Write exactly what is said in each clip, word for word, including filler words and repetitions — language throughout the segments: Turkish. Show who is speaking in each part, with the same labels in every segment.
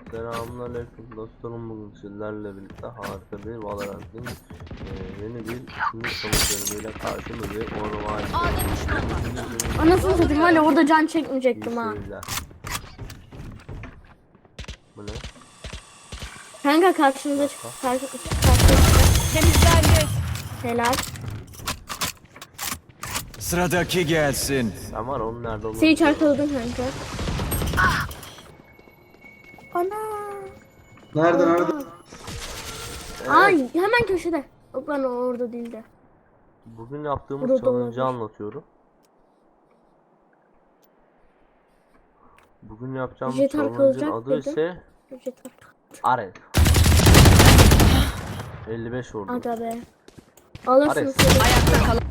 Speaker 1: Selamünaleyküm dostlarım, bugün sizlerle birlikte harika bir Valorant'ın e, yeni bir ikinci savaş bölümüyle karşınızdayım. Onu var.
Speaker 2: Anasını satayım, hala orada can çekmeyecektim ha.
Speaker 1: Bu ne?
Speaker 2: Kanka karşımıza çık. Karşı, karşı.
Speaker 3: Temizlendi.
Speaker 2: Helal.
Speaker 4: Sıradaki gelsin.
Speaker 1: Sen var onun nerede olduğunu.
Speaker 2: Seni çarpıldın kanka. Ana.
Speaker 5: Nerede nerede?
Speaker 1: Evet.
Speaker 2: Ay hemen köşede. Yok lan, o orada değildi.
Speaker 1: Bugün yaptığımız
Speaker 2: Burada
Speaker 1: challenge'ı
Speaker 2: olabilir.
Speaker 1: anlatıyorum. Bugün yapacağımız
Speaker 2: Jet
Speaker 1: challenge'ın
Speaker 2: arkalayacak
Speaker 1: adı
Speaker 2: dedim.
Speaker 1: ise Arel. elli beş vurdum.
Speaker 2: Aga be. Alırsınız.
Speaker 1: Ares.
Speaker 3: Ayakta kalan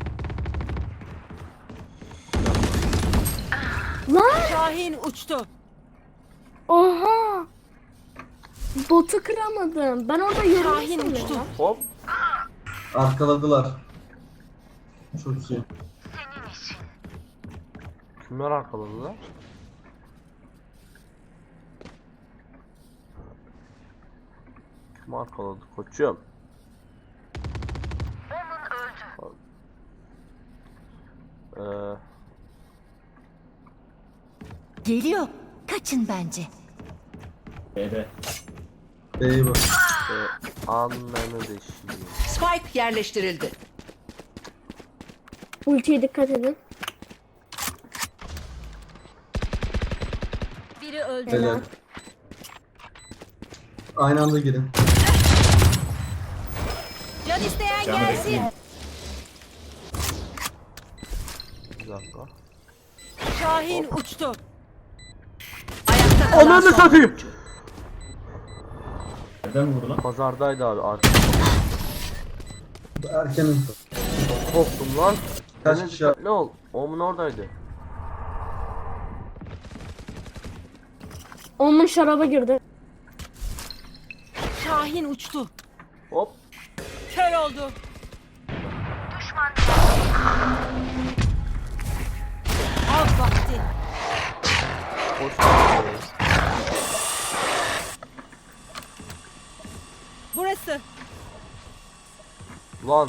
Speaker 2: Lan.
Speaker 3: Şahin uçtu.
Speaker 2: Oha. Botu kıramadım. Ben orada
Speaker 3: Şahin
Speaker 2: yorulmuşum
Speaker 3: uçtu.
Speaker 2: ya.
Speaker 1: Hop.
Speaker 5: Arkaladılar. Çok iyi.
Speaker 1: Kimler arkaladı lan? Kim arkaladı koçum? Ee,
Speaker 6: Geliyor. Kaçın bence.
Speaker 5: B'ye bak.
Speaker 1: e, anlamı deşiyor.
Speaker 3: Spike yerleştirildi.
Speaker 2: Ultiye dikkat edin.
Speaker 6: Biri öldü.
Speaker 5: Helal. Aynı anda girin.
Speaker 3: Can isteyen gelsin.
Speaker 1: Bir dakika.
Speaker 3: Şahin uçtu. Ayakta kalan
Speaker 1: Ananı
Speaker 3: son.
Speaker 1: satayım.
Speaker 5: Nereden vurdu lan?
Speaker 1: Pazardaydı abi artık.
Speaker 5: Erkenin.
Speaker 1: Korktum lan.
Speaker 5: Kaç
Speaker 1: Senin
Speaker 5: kişi-
Speaker 1: dikkatli ol. Omun oradaydı.
Speaker 2: Onun şaraba girdi.
Speaker 3: Şahin uçtu.
Speaker 1: Hop.
Speaker 3: Kör oldu. Av vakti.
Speaker 1: Hoş geldin.
Speaker 3: Burası.
Speaker 1: Lan.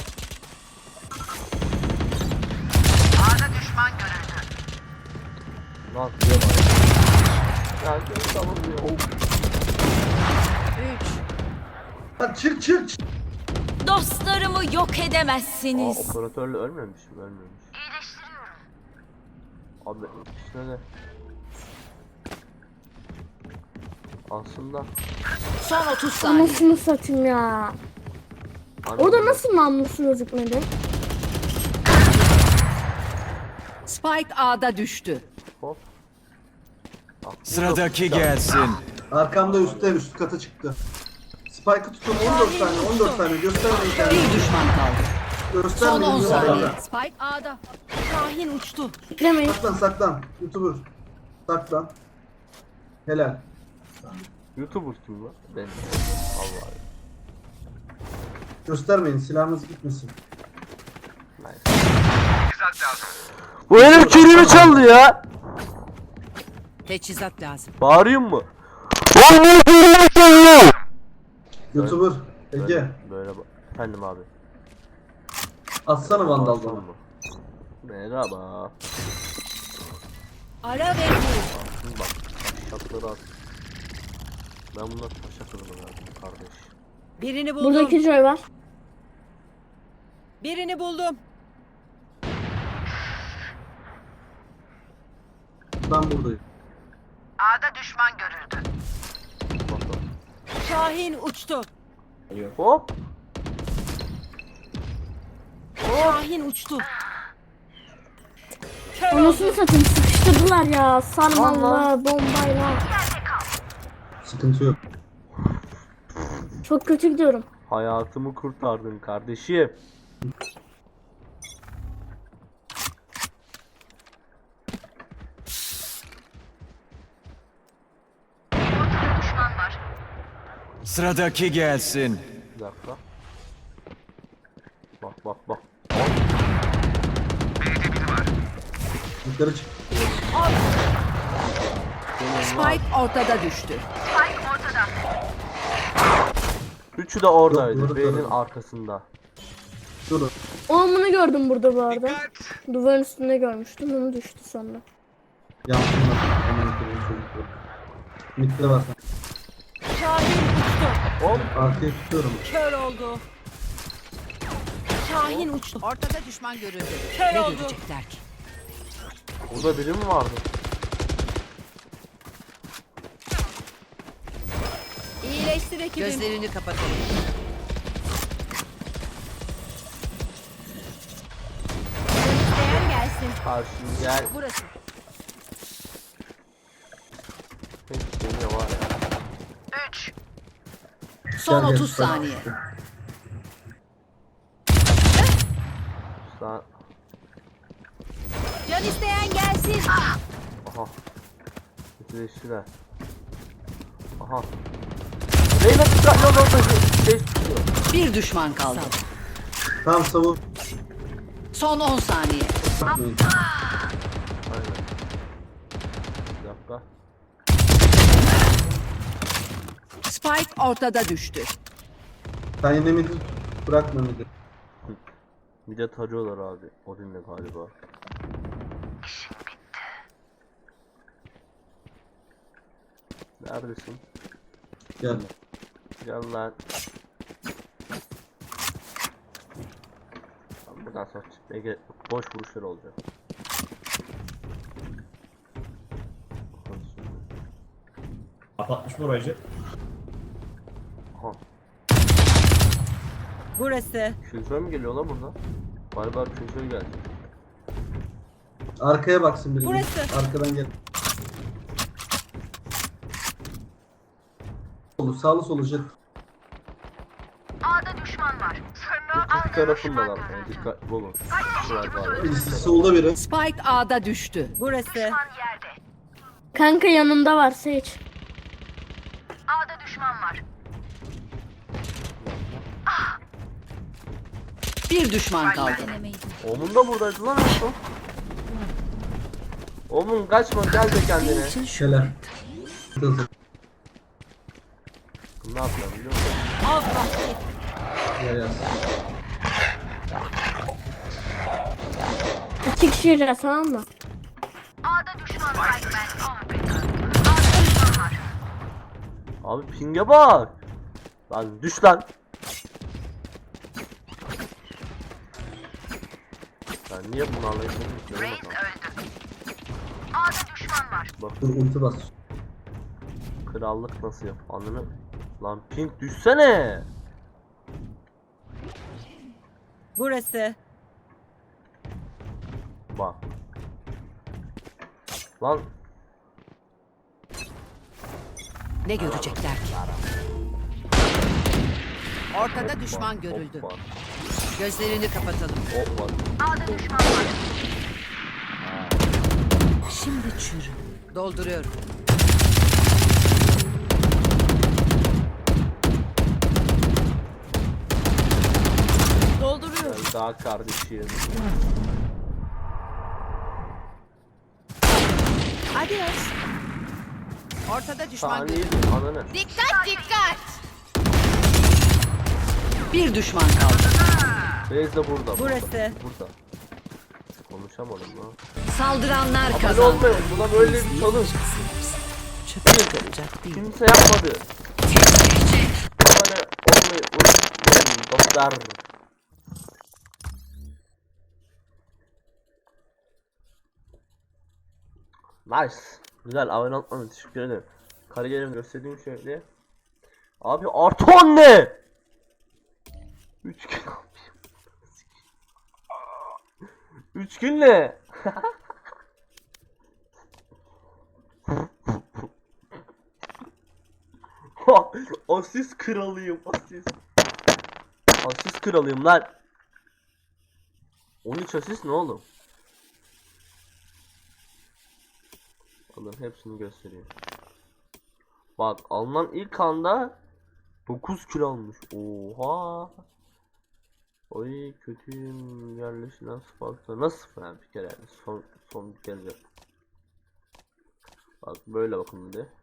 Speaker 1: Lan diye bak. Ya gel tamam diyor.
Speaker 3: Üç.
Speaker 5: Lan çık çık çık.
Speaker 6: Dostlarımı yok
Speaker 1: Aa,
Speaker 6: edemezsiniz.
Speaker 1: operatörle ölmemiş mi? Ölmemiş. Abi ikisine de. Aslında
Speaker 3: Son otuz saniye.
Speaker 2: Anasını satayım ya.
Speaker 1: hani
Speaker 2: Orada nasıl namlusu gözükmedi?
Speaker 3: Spike A'da düştü.
Speaker 1: hop. Bak, bu
Speaker 4: Sıradaki
Speaker 1: da-
Speaker 4: gelsin.
Speaker 5: Arkamda üstte üst kata çıktı. Spike'ı tutun on dört tane on dört tane göstermeyin
Speaker 3: Bir
Speaker 5: kendinizi.
Speaker 3: düşman kaldı. Son
Speaker 5: Göstermeyin.
Speaker 3: on saniye.
Speaker 5: göstermeyin.
Speaker 3: Spike A'da. Şahin uçtu.
Speaker 2: Demeyin.
Speaker 5: Saklan saklan. YouTuber. Saklan. Helal.
Speaker 1: YouTuber kim lan? Ben. Vallahi.
Speaker 5: Göstermeyin silahınız gitmesin.
Speaker 1: Nice. Bu herif kilimi çaldı ya.
Speaker 3: Teçhizat lazım.
Speaker 1: Bağırıyor mu?
Speaker 5: YouTuber. Ege.
Speaker 1: Böyle, böyle bak. Efendim abi.
Speaker 5: Atsana vandal
Speaker 1: Bağırsın
Speaker 5: bana.
Speaker 1: mı? Merhaba.
Speaker 3: Ara ve vur.
Speaker 1: Şimdi bak. Taşakları at. Ben bunlar taşak adamı verdim kardeş.
Speaker 3: Birini buldum.
Speaker 2: Burada iki Joy var.
Speaker 3: Birini buldum.
Speaker 5: Ben buradayım.
Speaker 1: Bak bak.
Speaker 3: Şahin uçtu.
Speaker 1: Hop.
Speaker 3: Şahin uçtu. Kör oldu.
Speaker 2: Anasını satayım, sıkıştırdılar ya. Sarmalla, bombayla.
Speaker 5: Sıkıntı yok.
Speaker 2: Çok kötü gidiyorum.
Speaker 1: Hayatımı kurtardın kardeşim.
Speaker 4: Sıradaki gelsin.
Speaker 1: Bir dakika. Bak bak bak.
Speaker 5: Yukarı çık.
Speaker 3: Spike ortada düştü.
Speaker 1: Üçü de oradaydı.
Speaker 5: Yok, doğru,
Speaker 1: Beynin
Speaker 5: doğru.
Speaker 1: arkasında.
Speaker 5: Durun.
Speaker 2: Oğlumunu gördüm burada bu arada. Duvarın üstünde görmüştüm. Onu düştü sonra.
Speaker 5: Yansınlar. Hemen kırın çocuklar. Mitte var.
Speaker 3: Şahin uçtu.
Speaker 1: Hop.
Speaker 5: Arkaya tutuyorum.
Speaker 3: Kör oldu. Şahin uçtu. Ortada düşman görüldü. Kör oldu. Görecekler ki?
Speaker 1: Burada biri mi vardı?
Speaker 3: İyileştir ekibim. Gözlerini kapatalım. İsteyen gelsin.
Speaker 1: Karşım gel.
Speaker 3: Burası.
Speaker 1: Hepsi ne var ya.
Speaker 3: Son
Speaker 5: Gel, gel,
Speaker 3: otuz
Speaker 5: Spike.
Speaker 3: saniye.
Speaker 1: Sen...
Speaker 3: Can isteyen gelsin.
Speaker 1: Aha. Bitleştiler. Aha. Reyna dikkatli ol orada şey tutuyor.
Speaker 3: Bir düşman kaldı.
Speaker 5: Tamam savun.
Speaker 3: Son on saniye.
Speaker 5: Bakmayın.
Speaker 1: Aynen. Bir dakika.
Speaker 3: Spike ortada düştü.
Speaker 5: Sen yine midi bırakma midi.
Speaker 1: Bir de tarıyorlar abi. Odin'le galiba. Neredesin?
Speaker 5: Gel.
Speaker 1: Gel lan. Tamam, buradan sonra Ege boş vuruşlar olacak.
Speaker 7: Kapatmış mı orayı?
Speaker 1: Aha.
Speaker 3: Burası.
Speaker 1: Şülför mü geliyor lan burada? Galiba şülför geldi.
Speaker 5: Arkaya baksın biri.
Speaker 3: Burası.
Speaker 5: Arkadan gel. Solu, sağlı solu jet.
Speaker 1: İki tarafındalar. Yani dikkatli olun. Şuraya galiba.
Speaker 5: Birisi solda biri.
Speaker 3: Spike A'da düştü. Burası.
Speaker 2: Kanka yanında var Sage.
Speaker 3: Bir düşman kaldı.
Speaker 1: Omun da buradaydı lan en son. Omun kaçma gel de kendine.
Speaker 5: Şöyle. Hızlı.
Speaker 1: Ne yapacağım biliyor musun?
Speaker 5: Gel gel.
Speaker 2: İki kişi yiyeceğiz tamam mı?
Speaker 1: Abi pinge bak. Lan düş lan. Ben niye bunlarla yapıyorum ki? Bak
Speaker 5: Dur ulti bas.
Speaker 1: krallık nasıl yap anını. Lan pink düşsene.
Speaker 3: Burası.
Speaker 1: Bak. Lan
Speaker 3: Ne görecekler ki? Ortada düşman görüldü.
Speaker 1: hop var.
Speaker 3: Gözlerini kapatalım.
Speaker 1: Hop var.
Speaker 3: Şimdi çürü. Dolduruyorum. Dolduruyorum.
Speaker 1: Ben daha kardeşim.
Speaker 3: Adios. Ortada düşman
Speaker 1: Saniye
Speaker 3: görüldü.
Speaker 1: ananı.
Speaker 6: Dikkat dikkat.
Speaker 3: Bir düşman kaldı.
Speaker 1: Beyz de burada.
Speaker 3: Burası.
Speaker 1: Burada. burada. Konuşamadım lan.
Speaker 3: Saldıranlar
Speaker 1: Abone
Speaker 3: kazandı.
Speaker 1: olmayın. Buna böyle bir çalış.
Speaker 3: Çöpe yıkılacak değil.
Speaker 1: Kimse yapmadı. Abone olmayı unutmayın dostlar. Nice. Güzel abone olmanı teşekkür ederim. Kariyerimi göstereyim şöyle. Abi artı on ne? üç gün üç gün ne? Asist kralıyım asist. Asist kralıyım lan. on üç asist ne oğlum? Alın hepsini gösteriyor. Bak alınan ilk anda dokuz kilo almış. Oha. Oy kötüyüm yerleşilen Spark'ta nasıl yani bir kere yani son son bir kere. Bak böyle bakın bir de.